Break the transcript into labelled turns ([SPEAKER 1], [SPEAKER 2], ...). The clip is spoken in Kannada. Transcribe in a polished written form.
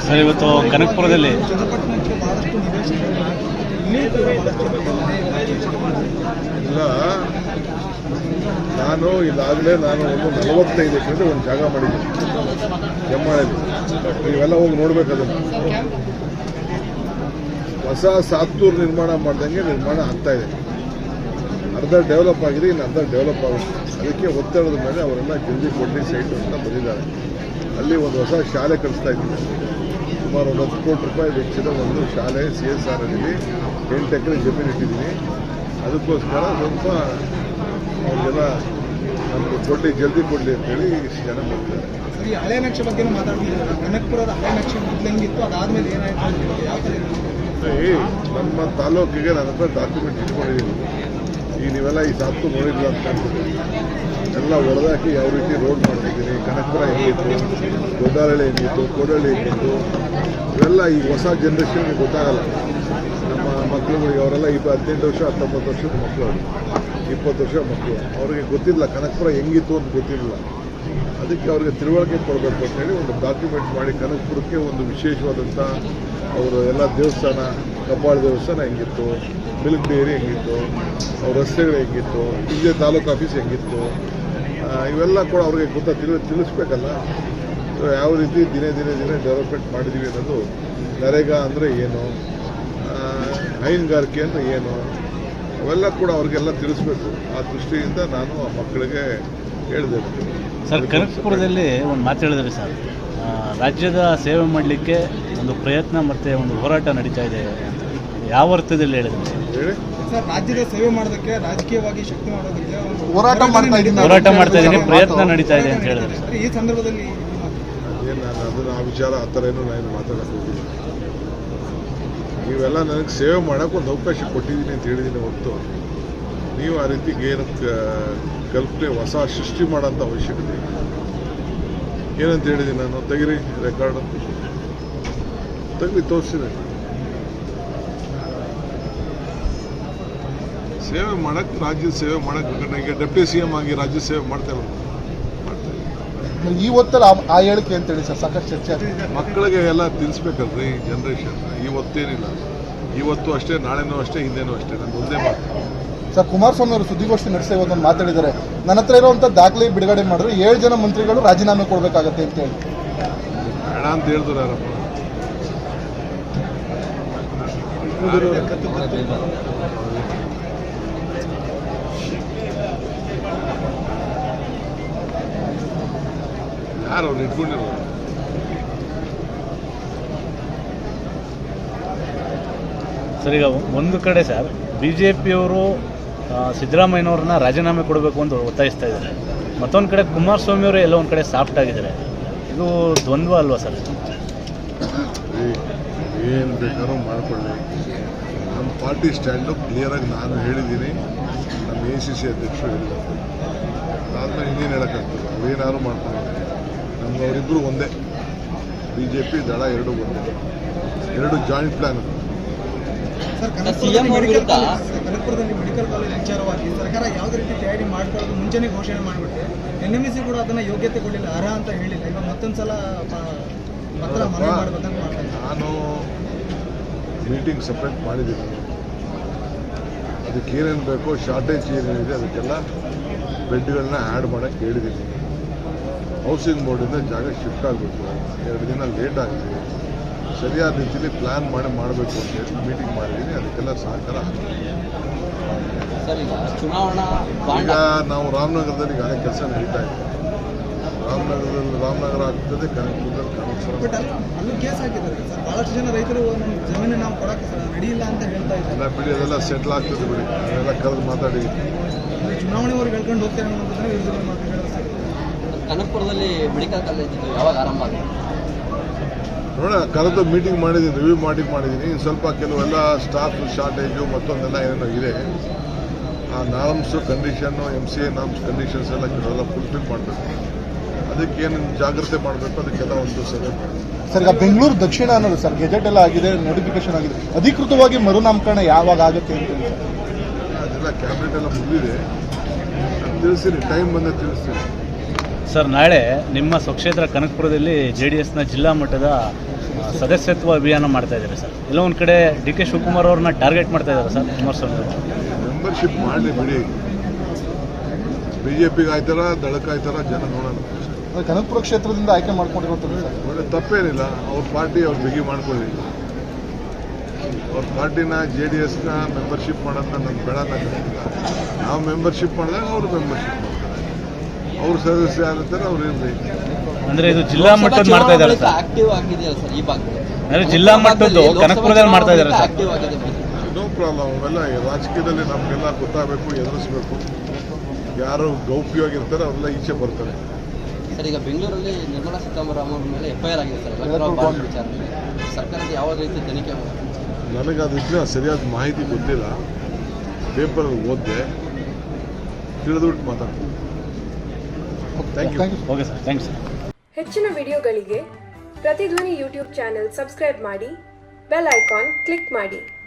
[SPEAKER 1] ಸರ್, ಇವತ್ತು ಕನಕಪುರದಲ್ಲಿ
[SPEAKER 2] ಇಲ್ಲ, ನಾನು ಇದಾಗಲೇ ಒಂದು 45 ಎಕರೆ ಒಂದು ಜಾಗ ಮಾಡಿದ್ದೀನಿ ಕೆಮ್ಮಾಳಲ್ಲಿ. ನೀವೆಲ್ಲ ಹೋಗಿ ನೋಡ್ಬೇಕು. ಅದನ್ನು ಹೊಸ ಸಾತ್ತೂರು ನಿರ್ಮಾಣ ಮಾಡ್ದಂಗೆ ನಿರ್ಮಾಣ ಆಗ್ತಾ ಇದೆ. ಅರ್ಧ ಡೆವಲಪ್ ಆಗಿದೆ, ಇನ್ನು ಅರ್ಧ ಡೆವಲಪ್ ಆಗುತ್ತೆ. ಅದಕ್ಕೆ ಒತ್ತಡದ ಮೇಲೆ ಅವರೆಲ್ಲ ಜಲ್ದಿ ಕೊಡ್ಲಿ ಸೈಟು ಅಂತ ಬಂದಿದ್ದಾರೆ. ಅಲ್ಲಿ ಒಂದು ಹೊಸ ಶಾಲೆ ಕಳಿಸ್ತಾ ಇದ್ದೀನಿ. ಸುಮಾರು ಒಂದು 10 ಕೋಟಿ ರೂಪಾಯಿ ವೆಚ್ಚದ ಒಂದು ಶಾಲೆ CSR ಅಲ್ಲಿ 8 ಎಕರೆ ಜಮೀನು ಇಟ್ಟಿದ್ದೀನಿ. ಅದಕ್ಕೋಸ್ಕರ ಸ್ವಲ್ಪ ಅವ್ರಿಗೆಲ್ಲ ನಮಗೆ ಕೊಡಲಿ, ಜಲ್ದಿ ಕೊಡಲಿ ಅಂತೇಳಿ ಇಷ್ಟು ಜನ ಬರ್ತಾರೆ.
[SPEAKER 3] ಸರಿ, ಹಳೆ ನಕ್ಷೆ ಬಗ್ಗೆ ಮಾತಾಡ್ತಿದ್ದೀರಾ? ಕನಕಪುರದ ಹಳೆ ನಕ್ಷೆ ಮೊದಲು ಹೆಂಗಿತ್ತು, ಅದಾದ್ಮೇಲೆ ಏನಾಯ್ತು, ಯಾವ ಥರ?
[SPEAKER 2] ನಮ್ಮ ತಾಲೂಕಿಗೆ ನನ್ನ ಹತ್ರ ಡಾಕ್ಯುಮೆಂಟ್ ಇಟ್ಕೊಂಡಿದ್ದೀನಿ. ಈಗ ನೀವೆಲ್ಲ ಈ ಸಾತ್ತು ನೋಡಿಲ್ಲ ಅಂತ ಕಾಣ್ತಿದ್ದೀನಿ. ಎಲ್ಲ ಹೊಡೆದಾಕಿ ಯಾವ ರೀತಿ ರೋಡ್ ಮಾಡ್ತಿದ್ದೀನಿ. ಕನಕಪುರ ಹೆಂಗಿತ್ತು, ದೊಡ್ಡಹಳ್ಳಿ ಹೆಂಗಿತ್ತು, ಕೋಡಹಳ್ಳಿ ಹೆಂಗಿತ್ತು, ಇವೆಲ್ಲ ಈ ಹೊಸ ಜನ್ರೇಷನ್ಗೆ ಗೊತ್ತಾಗಲ್ಲ. ನಮ್ಮ ಮಕ್ಕಳುಗಳಿಗೆ ಅವರೆಲ್ಲ 18 ವರ್ಷ 19 ವರ್ಷದ ಮಕ್ಕಳು, 20 ವರ್ಷ ಮಕ್ಕಳು, ಅವ್ರಿಗೆ ಗೊತ್ತಿಲ್ಲ ಕನಕಪುರ ಹೆಂಗಿತ್ತು ಅಂತ ಗೊತ್ತಿರಲಿಲ್ಲ. ಅದಕ್ಕೆ ಅವ್ರಿಗೆ ತಿಳುವಳಿಕೆ ಕೊಡಬೇಕು ಅಂತೇಳಿ ಒಂದು ಡಾಕ್ಯುಮೆಂಟ್ ಮಾಡಿ ಕನಕಪುರಕ್ಕೆ ಒಂದು ವಿಶೇಷವಾದಂಥ ಅವರು ಎಲ್ಲ ದೇವಸ್ಥಾನ, ಕಬ್ಬಾಳ ದೇವಸ್ಥಾನ ಹೆಂಗಿತ್ತು, ಮಿಲ್ಕ್ ಡೈರಿ ಹೆಂಗಿತ್ತು, ಅವ್ರ ರಸ್ತೆಗಳು ಹೆಂಗಿತ್ತು, ಇಲ್ಲೇ ತಾಲೂಕು ಆಫೀಸ್ ಹೆಂಗಿತ್ತು, ಇವೆಲ್ಲ ಕೂಡ ಅವ್ರಿಗೆ ತಿಳಿಸ್ಬೇಕಲ್ಲ. ಸೊ ಯಾವ ರೀತಿ ದಿನೇ ಡೆವಲಪ್ಮೆಂಟ್ ಮಾಡಿದ್ದೀವಿ ಅನ್ನೋದು, ನರೇಗಾ ಅಂದರೆ ಏನು, ಹೈನುಗಾರಿಕೆ ಅಂದರೆ ಏನು, ಅವೆಲ್ಲ ಕೂಡ ಅವ್ರಿಗೆಲ್ಲ ತಿಳಿಸ್ಬೇಕು. ಆ ದೃಷ್ಟಿಯಿಂದ ನಾನು ಆ ಮಕ್ಕಳಿಗೆ ಹೇಳಿದೆ.
[SPEAKER 1] ಸರ್, ಕನಕಪುರದಲ್ಲಿ ಒಂದು ಮಾತು ಹೇಳಿದ್ರಿ ಸರ್, ರಾಜ್ಯದ ಸೇವೆ ಮಾಡಲಿಕ್ಕೆ ಒಂದು ಪ್ರಯತ್ನ ಮತ್ತು ಒಂದು ಹೋರಾಟ ನಡೀತಾ ಇದೆ ಅಂತ. ಯಾವ ಅರ್ಥದಲ್ಲಿ ಹೇಳಿದ್ರಿ ಸರ್?
[SPEAKER 2] ಹೇಳಿ
[SPEAKER 3] ಸರ್, ರಾಜ್ಯದ ಸೇವೆ ಮಾಡೋದಕ್ಕೆ, ರಾಜಕೀಯವಾಗಿ ಶಕ್ತಿ ಮಾಡೋದಕ್ಕೆ
[SPEAKER 1] ಹೋರಾಟ ಮಾಡ್ತಾ ಇದ್ದೀನಿ, ಪ್ರಯತ್ನ ನಡೀತಾ ಇದೆ ಅಂತ ಹೇಳಿದ್ರಿ ಸರ್.
[SPEAKER 3] ಈ ಸಂದರ್ಭದಲ್ಲಿ
[SPEAKER 2] ನಾನು ಅದನ್ನು ಆ ವಿಚಾರ ಆ ಥರ ಏನೂ ನಾನು ಮಾತಾಡೋಕ್ಕೆ ಹೋಗಿಲ್ಲ. ನೀವೆಲ್ಲ ನನಗೆ ಸೇವೆ ಮಾಡೋಕ್ಕೆ ಒಂದು ಅವಕಾಶ ಕೊಟ್ಟಿದ್ದೀನಿ ಅಂತ ಹೇಳಿದ್ದೀನಿ ಹೊರತು ನೀವು ಆ ರೀತಿ ಏನು ಕಲ್ಪನೆ ಹೊಸ ಸೃಷ್ಟಿ ಮಾಡೋಂಥ ಅವಶ್ಯಕತೆ ಇಲ್ಲ. ಏನಂತ ಹೇಳಿದ್ದೀನಿ ನಾನು? ತೆಗಿರಿ ರೆಕಾರ್ಡು, ತೆಗ್ದು ತೋರಿಸಿದೆ. ಸೇವೆ ಮಾಡೋಕ್ಕೆ, ರಾಜ್ಯದ ಸೇವೆ ಮಾಡೋಕ್ಕೆ, ಈಗ ಡೆಪ್ಟಿ CM ಆಗಿ ರಾಜ್ಯ ಸೇವೆ ಮಾಡ್ತೇವೆ.
[SPEAKER 4] ಈ ಹೊತ್ತಲ್ಲಿ ಆ ಹೇಳಿಕೆ ಅಂತೇಳಿ ಸರ್ ಸಾಕಷ್ಟು ಚರ್ಚೆ ಆಗ್ತದೆ.
[SPEAKER 2] ಮಕ್ಕಳಿಗೆ ಎಲ್ಲ ತಿಳಿಸ್ಬೇಕಲ್ರಿ ಜನ್ರೇಷನ್. ಇವತ್ತೇನಿಲ್ಲ, ಇವತ್ತು ಅಷ್ಟೇ, ನಾಳೆನೂ ಅಷ್ಟೇ, ಹಿಂದೇನೂ ಅಷ್ಟೇ. ನಾನು ಒಂದೇ ಮಾತು.
[SPEAKER 4] ಸರ್, ಕುಮಾರಸ್ವಾಮಿ ಅವರು ಸುದ್ದಿಗೋಷ್ಠಿ ನಡೆಸಿ ಇವತ್ತೊಂದು ಮಾತಾಡಿದ್ದಾರೆ. ನನ್ನ ಹತ್ರ ಇರುವಂಥ ದಾಖಲೆ ಬಿಡುಗಡೆ ಮಾಡಿದ್ರೆ 7 ಜನ ಮಂತ್ರಿಗಳು ರಾಜೀನಾಮೆ ಕೊಡಬೇಕಾಗತ್ತೆ ಅಂತ ಹೇಳಿ.
[SPEAKER 2] ಬೇಡ ಅಂತ ಹೇಳಿದ್ರು ಯಾರಪ್ಪ? ಯಾರು ಅವ್ರು ಇಟ್ಕೊಂಡಿರೋದು?
[SPEAKER 1] ಸರ್, ಈಗ ಒಂದು ಕಡೆ ಸರ್ BJPಯವರು ಸಿದ್ದರಾಮಯ್ಯನವ್ರನ್ನ ರಾಜೀನಾಮೆ ಕೊಡಬೇಕು ಅಂತ ಒತ್ತಾಯಿಸ್ತಾ ಇದ್ದಾರೆ. ಮತ್ತೊಂದು ಕಡೆ ಕುಮಾರಸ್ವಾಮಿ ಅವರು ಎಲ್ಲ ಒಂದು ಕಡೆ ಸಾಫ್ಟ್ ಆಗಿದ್ದಾರೆ. ಇದು ದ್ವಂದ್ವ ಅಲ್ವಾ ಸರ್?
[SPEAKER 2] ಏನು ಬೇಕಾದ್ರೂ ಮಾಡ್ಕೊಳ್ಳಿ. ನಮ್ಮ ಪಾರ್ಟಿ ಸ್ಟ್ಯಾಂಡು ಕ್ಲಿಯರಾಗಿ ನಾನು ಹೇಳಿದ್ದೀನಿ, ನಮ್ಮ ACC ಅಧ್ಯಕ್ಷರು ಹೇಳಿದ್ದಾರೆ. ಅದಾದ್ಮೇಲೆ ಇನ್ನೇನು ಹೇಳೋಕ್ಕಾಗ್ತದೆ? ಅವೇನಾದ್ರು ಮಾಡ್ಕೊಂಡು ನಮ್ಗೆ ಅವರಿಬ್ಬರು ಒಂದೇ. BJP ದಳ ಎರಡೂ ಒಂದೇ, 2 ಜಾಯಿಂಟ್ ಪ್ಲಾನ್.
[SPEAKER 3] ಸರ್, ಕನಕಪುರದಲ್ಲಿ ಮೆಡಿಕಲ್ ಕಾಲೇಜ್ ವಿಚಾರವಾಗಿ ಸರ್ಕಾರ ಯಾವುದೇ ರೀತಿ ತಯಾರಿ ಮಾಡ್ಕೊಳ್ಳೋದು ಮುಂಚೆನೇ ಘೋಷಣೆ ಮಾಡಿಬಿಟ್ಟು NMC ಕೂಡ ಅದನ್ನು ಯೋಗ್ಯತೆ ಕೊಡಲಿಲ್ಲ, ಅರ್ಹ ಅಂತ ಹೇಳಿಲ್ಲ. ಈಗ ಮತ್ತೊಂದು ಸಲ ಪತ್ರ ಮನವಿ ಮಾಡಬೇಕಂತ ಮಾಡ್ತಾರೆ.
[SPEAKER 2] ನಾನು ಮೀಟಿಂಗ್ ಸಪ್ರೇಟ್ ಮಾಡಿದ್ದೀನಿ. ಅದಕ್ಕೆ ಏನೇನು ಬೇಕೋ, ಶಾರ್ಟೇಜ್ ಏನೇನಿದೆ ಅದಕ್ಕೆಲ್ಲ ಬೆಡ್ಗಳನ್ನ ಆ್ಯಡ್ ಮಾಡೋಕ್ಕೆ ಹೇಳಿದ್ದೀನಿ. ಹೌಸಿಂಗ್ ಬೋರ್ಡಿಂದ ಜಾಗ ಶಿಫ್ಟ್ ಆಗಬೇಕು, 2 ದಿನ ಲೇಟ್ ಆಗಿದೆ. ಸರಿಯಾದ ರೀತಿಯಲ್ಲಿ ಪ್ಲ್ಯಾನ್ ಮಾಡಬೇಕು ಅಂತ ಹೇಳಿ ಮೀಟಿಂಗ್ ಮಾಡಿದ್ದೀನಿ. ಅದಕ್ಕೆಲ್ಲ ಸಹಕಾರ ಆಗ್ತದೆ. ಈಗ ನಾವು ರಾಮನಗರದಲ್ಲಿ ಈಗಾಗಲೇ ಕೆಲಸ ನಡೀತಾ ಇದೆ. ರಾಮನಗರ ಆಗ್ತದೆ, ಕನಕಪುರದಲ್ಲಿ ಕನಕಪುರ.
[SPEAKER 3] ಬಟ್ ಅಲ್ಲೂ ಕೇಸ್ ಹಾಕಿದ್ದಾರೆ ಸರ್. ಭಾಳಷ್ಟು ಜನ ರೈತರು ನಮ್ಮ ಜಮೀನು ನಾವು ಕೊಡೋಕ್ಕೆ ರೆಡಿಯಿಲ್ಲ ಅಂತ ಹೇಳ್ತಾ ಇದ್ದಾರೆ.
[SPEAKER 2] ಎಲ್ಲ ಬಿಡಿ, ಅದೆಲ್ಲ ಸೆಟ್ಲ್ ಆಗ್ತದೆ ಬಿಡಿ. ಅದೆಲ್ಲ ಕರೆದು ಮಾತಾಡಿ
[SPEAKER 3] ಚುನಾವಣೆವರೆಗೆ ಹೇಳ್ಕೊಂಡು ಹೋಗ್ತಾರೆ ಅನ್ನೋದನ್ನ ವಿರೋಧ ಮಾತುಗಳು ಸರ್.
[SPEAKER 5] ಕನಕಪುರದಲ್ಲಿ ಮೆಡಿಕಲ್ ಕಾಲೇಜ್ ಯಾವಾಗ ಆರಂಭ ಆಗಿದೆ?
[SPEAKER 2] ನೋಡ, ಕರೆದು ಮೀಟಿಂಗ್ ಮಾಡಿದ್ದೀನಿ, ರಿವ್ಯೂ ಮಾಡಿದ್ದೀನಿ. ಸ್ವಲ್ಪ ಕೆಲವೆಲ್ಲ ಸ್ಟಾಫ್ ಶಾರ್ಟೇಜು ಮತ್ತೊಂದೆಲ್ಲ ಏನೇನೋ ಇದೆ. ಆ norms condition, MCA norms conditions ಎಲ್ಲ ಕೆಲವೆಲ್ಲ ಫುಲ್ಫಿಲ್ ಮಾಡಬೇಕು. ಅದಕ್ಕೇನು ಜಾಗ್ರತೆ ಮಾಡಬೇಕು, ಅದಕ್ಕೆಲ್ಲ ಒಂದು ಸಭೆ ಮಾಡಬೇಕು.
[SPEAKER 4] ಸರ್, ಈಗ ಬೆಂಗಳೂರು ದಕ್ಷಿಣ ಅನ್ನೋದು ಸರ್ ಗೆಜೆಟ್ ಎಲ್ಲ ಆಗಿದೆ, ನೋಟಿಫಿಕೇಶನ್ ಆಗಿದೆ. ಅಧಿಕೃತವಾಗಿ ಮರುನಾಮಕರಣ ಯಾವಾಗ ಆಗುತ್ತೆ ಅಂತ
[SPEAKER 2] ಅದೆಲ್ಲ ಕ್ಯಾಬಿನೆಟ್ ಎಲ್ಲ ಮುಗಿದಿದೆ. ತಿಳಿಸ್ತೀನಿ, ಟೈಮ್ ಬಂದರೆ ತಿಳಿಸ್ತೀನಿ.
[SPEAKER 1] ಸರ್, ನಾಳೆ ನಿಮ್ಮ ಸ್ವಕ್ಷೇತ್ರ ಕನಕಪುರದಲ್ಲಿ JDSನ ಜಿಲ್ಲಾ ಮಟ್ಟದ ಸದಸ್ಯತ್ವ ಅಭಿಯಾನ ಮಾಡ್ತಾ ಇದ್ದಾರೆ ಸರ್. ಎಲ್ಲೋ ಒಂದು ಕಡೆ ಡಿ ಕೆ ಶಿವಕುಮಾರ್ ಅವ್ರನ್ನ ಟಾರ್ಗೆಟ್ ಮಾಡ್ತಾ ಇದ್ದಾರೆ ಸರ್ ಕುಮಾರಸ್ವಾಮಿ ಅವರು.
[SPEAKER 2] ಮೆಂಬರ್ಶಿಪ್ ಮಾಡಲಿ ಬಿಡಿ, BJPಗೆ ಆಯ್ತಾರ ದಳಕ್ಕಾಯ್ತಾರ ಜನ ನೋಡೋಣ.
[SPEAKER 4] ಕನಕಪುರ ಕ್ಷೇತ್ರದಿಂದ ಆಯ್ಕೆ ಮಾಡ್ಕೊಂಡಿರೋದು ಸರ್.
[SPEAKER 2] ಒಳ್ಳೆ ತಪ್ಪೇನಿಲ್ಲ, ಅವ್ರ ಪಾರ್ಟಿ ಅವ್ರು ಬಿಗಿ ಮಾಡ್ಕೊಳ್ಳಿ. ಅವ್ರ ಪಾರ್ಟಿನ JDSನ ಮೆಂಬರ್ಶಿಪ್ ಮಾಡೋದನ್ನ ನಮ್ಗೆ ಬೇಡ ಅನ್ನೋಕ್ಕಾಗಿಲ್ಲ. ನಾವು ಮೆಂಬರ್ಶಿಪ್ ಮಾಡಿದಾಗ ಅವರು ಮೆಂಬರ್ಶಿಪ್ ಮಾಡ್ತಾರೆ, ಅವ್ರ ಸದಸ್ಯ ಯಾರಿರ್ತಾರೆ ಅವ್ರು ಇರಲಿ.
[SPEAKER 1] ಅಂದ್ರೆ ಇದು ಜಿಲ್ಲಾ ಮಟ್ಟದ ಮಾಡ್ತಾ ಇದ್ದಾರೆ ಸರ್.
[SPEAKER 5] ಆಕ್ಟಿವ್ ಆಗಿದೆಯಲ್ಲ ಸರ್ ಈ ಭಾಗದಲ್ಲಿ.
[SPEAKER 1] ಅಂದ್ರೆ ಜಿಲ್ಲಾ ಮಟ್ಟದ್ದು ಕನಕಪುರದಲ್ಲಿ ಮಾಡ್ತಾ ಇದ್ದಾರೆ ಸರ್.
[SPEAKER 5] ಆಕ್ಟಿವ್ ಆಗಿದೆ.
[SPEAKER 2] No problem. ಅವೆಲ್ಲ ರಾಜಕೀಯದಲ್ಲಿ ನಮಗೆಲ್ಲ ಗೊತ್ತಾಗಬೇಕು, ಎದುರಿಸ್ಬೇಕು. ಯಾರು ಗೌಪ್ಯವಾಗಿರ್ತಾರೆ ಅವರೆಲ್ಲ ಈಚೆ ಬರ್ತಾರೆ.
[SPEAKER 5] ಸರ್ ಈಗ ಬೆಂಗಳೂರಲ್ಲಿ ನಿರ್ಮಲಾ ಸೀತಾರಾಮನ್ ಅವ್ರ ಮೇಲೆ FIR ಆಗಿದೆ ಸರ್ ಎಲೆಕ್ಟ್ರಲ್ ಬಾಂಡ್ ವಿಚಾರದಲ್ಲಿ. ಸರ್ಕಾರದ ಯಾವ ರೀತಿ ತನಿಖೆ ಮಾಡುತ್ತೆ?
[SPEAKER 2] ನನಗೆ ಅದಕ್ಕೆ ಸರಿಯಾದ ಮಾಹಿತಿ ಗೊತ್ತಿಲ್ಲ. ಪೇಪರಲ್ಲಿ ಓದಿದೆ, ತಿಳಿದ್ಬಿಟ್ಟು ಮಾತಾಡ್ತೀನಿ. Thank you.
[SPEAKER 1] Okay sir, thanks sir.
[SPEAKER 6] ಹೆಚ್ಚಿನ ವಿಡಿಯೋಗಳಿಗೆ ಪ್ರತಿಧ್ವನಿ ಯೂಟ್ಯೂಬ್ ಚಾನೆಲ್ ಸಬ್ಸ್ಕ್ರೈಬ್ ಮಾಡಿ, ಬೆಲ್ ಐಕಾನ್ ಕ್ಲಿಕ್ ಮಾಡಿ.